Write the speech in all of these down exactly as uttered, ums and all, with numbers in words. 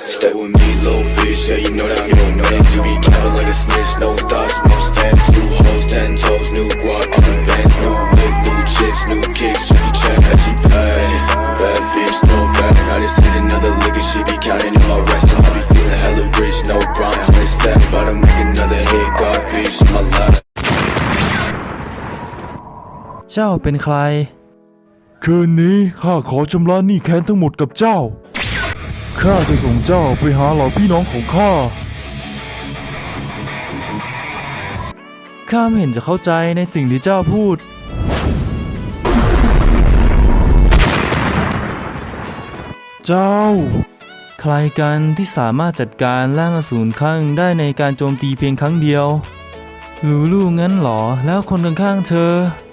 Stay with me, little bitch, yeah, you know that I'm your man. You be capping like a snitch, no thoughts, no stand. Two hoes, ten toes, new guac in the bands. New whip, new chips, new kicks, Jackie Chan, as she pay. Bad bitch, no bag, I just hit another lick and she be counting in my rest. I be feeling hella rich, no Brian, hundred stack. About to make another hit, God bitch, in my life. เจ้าเป็นใครคืนนี้ข้าขอชำระหนี้แค้นทั้งหมดกับเจ้าข้าจะส่งเจ้าไปหาเหล่าพี่น้องของข้าข้าไม่เห็นจะเข้าใจในสิ่งที่เจ้าพูดเจ้าใครกันที่สามารถจัดการร่างอสูรข้างได้ในการโจมตีเพียงครั้งเดียวลูลูงั้นหรอแล้วคนข้างๆเธอ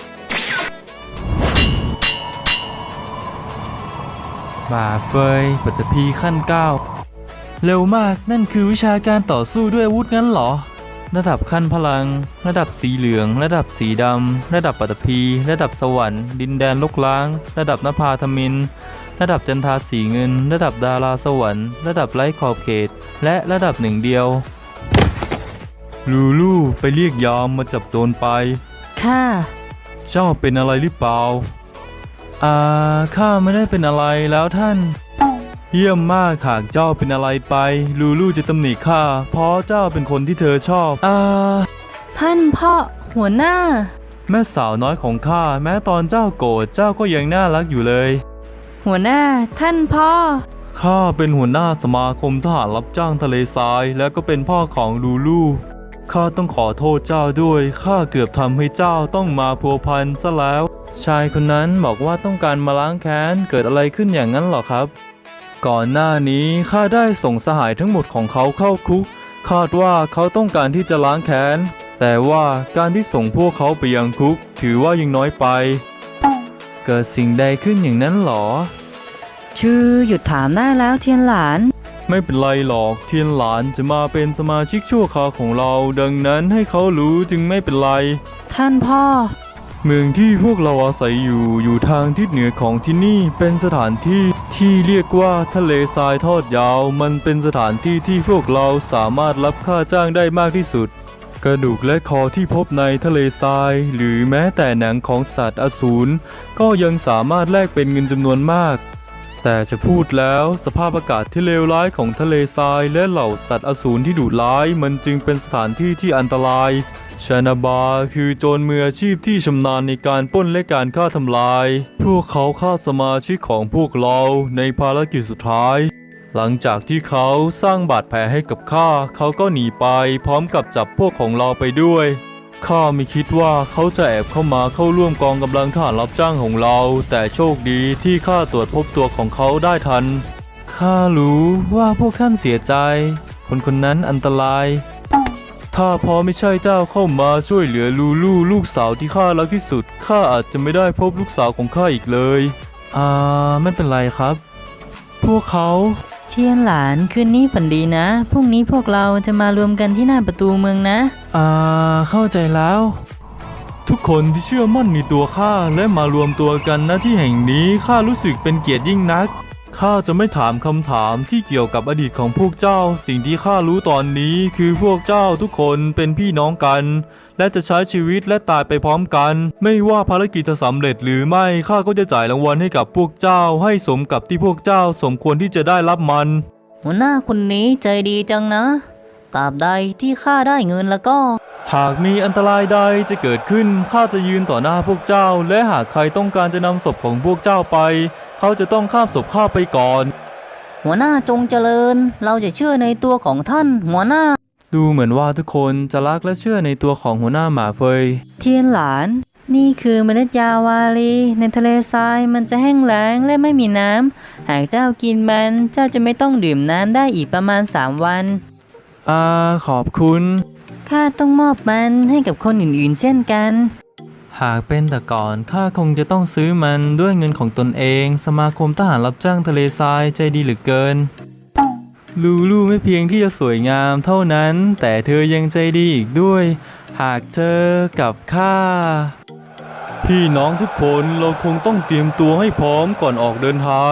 บ่าเฟยปัตตภีขั้นเก้าเร็วมากนั่นคือวิชาการต่อสู้ด้วยอาวุธงั้นหรอระดับขั้นพลังระดับสีเหลืองระดับสีดำระดับปัตตภีระดับสวรรค์ดินแดนลกล้างระดับนภาธมินระดับจันทาสีเงินระดับดาราสวรรค์ระดับไร้ขอบเขตและระดับหนึ่งเดียวลูลูไปเรียกยามมาจับโจรไปค่ะเจ้าเป็นอะไรหรือเปล่าอ่าข้าไม่ได้เป็นอะไรแล้วท่านเยี่ยมมากหากเจ้าเป็นอะไรไปลูลูจะตำหนิข้าเพราะเจ้าเป็นคนที่เธอชอบอ่าท่านพ่อหัวหน้าแม่สาวน้อยของข้าแม้ตอนเจ้าโกรธเจ้าก็ยังน่ารักอยู่เลยหัวหน้าท่านพ่อข้าเป็นหัวหน้าสมาคมทหารรับจ้างทะเลทรายและก็เป็นพ่อของลูลูข้าต้องขอโทษเจ้าด้วยข้าเกือบทำให้เจ้าต้องมาพัวพันซะแล้วชายคนนั้นบอกว่าต้องการมาล้างแค้นเกิดอะไรขึ้นอย่างนั้นหรอครับก่อนหน้านี้ข้าได้ส่งสหายทั้งหมดของเขาเข้าคุกคาดว่าเขาต้องการที่จะล้างแค้นแต่ว่าการที่ส่งพวกเขาไปยังคุกถือว่ายังน้อยไปเกิดสิ่งใดขึ้นอย่างนั้นหรอชื่อหยุดถามได้แล้วเทียนหลานไม่เป็นไรหรอกเทียนหลานจะมาเป็นสมาชิกชั่วคราวของเราดังนั้นให้เขารู้จึงไม่เป็นไรท่านพ่อเมืองที่พวกเราอาศัยอยู่อยู่ทางทิศเหนือของที่นี่เป็นสถานที่ที่เรียกว่าทะเลทรายทอดยาวมันเป็นสถานที่ที่พวกเราสามารถรับค่าจ้างได้มากที่สุดกระดูกและคอที่พบในทะเลทรายหรือแม้แต่หนังของสัตว์อสูรก็ยังสามารถแลกเป็นเงินจำนวนมากแต่จะพูดแล้วสภาพอากาศที่เลวร้ายของทะเลทรายและเหล่าสัตว์อสูรที่ดุร้ายมันจึงเป็นสถานที่ที่อันตรายชานาบาคือโจรมืออาชีพที่ชำนาญในการปล้นและการฆ่าทำลายพวกเขาฆ่าสมาชิกของพวกเราในภารกิจสุดท้ายหลังจากที่เขาสร้างบาดแผลให้กับข้าเขาก็หนีไปพร้อมกับจับพวกของเราไปด้วยข้าไม่คิดว่าเขาจะแอบเข้ามาเข้าร่วมกองกำลังทหารรับจ้างของเราแต่โชคดีที่ข้าตรวจพบตัวของเขาได้ทันข้ารู้ว่าพวกท่านเสียใจคนคนนั้นอันตรายถ้าพอไม่ใช่เจ้าเข้ามาช่วยเหลือลูลูลูกสาวที่ข้ารักที่สุดข้าอาจจะไม่ได้พบลูกสาวของข้าอีกเลยอ่าไม่เป็นไรครับพวกเขาเทียนหลานคืนนี้ฝันดีนะพรุ่งนี้พวกเราจะมารวมกันที่หน้าประตูเมืองนะอ่าเข้าใจแล้วทุกคนที่เชื่อมั่นในตัวข้าและมารวมตัวกันณที่แห่งนี้ข้ารู้สึกเป็นเกียรติยิ่งนักข้าจะไม่ถามคำถามที่เกี่ยวกับอดีตของพวกเจ้าสิ่งที่ข้ารู้ตอนนี้คือพวกเจ้าทุกคนเป็นพี่น้องกันและจะใช้ชีวิตและตายไปพร้อมกันไม่ว่าภารกิจจะสำเร็จหรือไม่ข้าก็จะจ่ายรางวัลให้กับพวกเจ้าให้สมกับที่พวกเจ้าสมควรที่จะได้รับมันหัวหน้าคนนี้ใจดีจังนะตราบใดที่ข้าได้เงินแล้วก็หากมีอันตรายใดจะเกิดขึ้นข้าจะยืนต่อหน้าพวกเจ้าและหากใครต้องการจะนำศพของพวกเจ้าไปเขาจะต้องข้ามศพข้าไปก่อนหัวหน้าจงเจริญเราจะเชื่อในตัวของท่านหัวหน้าดูเหมือนว่าทุกคนจะรักและเชื่อในตัวของหัวหน้าหมาเฟยเทียนหลานนี่คือเมล็ดยาวาลีในทะเลทรายมันจะแห้งแล้งและไม่มีน้ำหากเจ้ากินมันเจ้าจะไม่ต้องดื่มน้ำได้อีกประมาณสามวันอ่าขอบคุณข้าต้องมอบมันให้กับคนอื่นๆเช่นกันหากเป็นแต่ก่อนข้าคงจะต้องซื้อมันด้วยเงินของตนเองสมาคมทหารรับจ้างทะเลทรายใจดีเหลือเกินลูลูไม่เพียงที่จะสวยงามเท่านั้นแต่เธอยังใจดีอีกด้วยหากเธอกับข้าพี่น้องทุกคนเราคงต้องเตรียมตัวให้พร้อมก่อนออกเดินทาง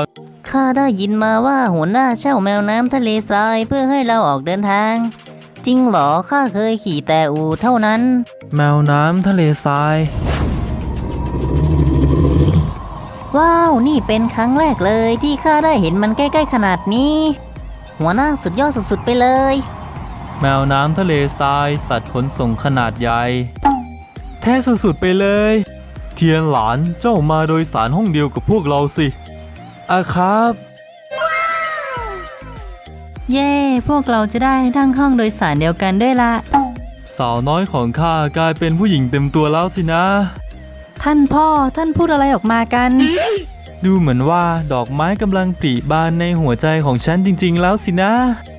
ข้าได้ยินมาว่าหัวหน้าเช่าแมวน้ำทะเลทรายเพื่อให้เราออกเดินทาง จริงเหรอข้าเคยขี่แต่อูเท่านั้นแมวน้ำทะเลทรายว้าวนี่เป็นครั้งแรกเลยที่ข้าได้เห็นมันใกล้ๆขนาดนี้ หัวหน้าสุดยอดสุดๆไปเลยแมวน้ำทะเลทรายสัตว์ขนส่งขนาดใหญ่แท้สุดๆไปเลย เทียนหลานเจ้ามาโดยสารห้องเดียวกับพวกเราสิอะครับเย่พวกเราจะได้นั่งห้องโดยสารเดียวกันด้วยละสาวน้อยของข้ากลายเป็นผู้หญิงเต็มตัวแล้วสินะท่านพ่อท่านพูดอะไรออกมากันดูเหมือนว่าดอกไม้กำลังปริบานในหัวใจของฉันจริงๆแล้วสินะ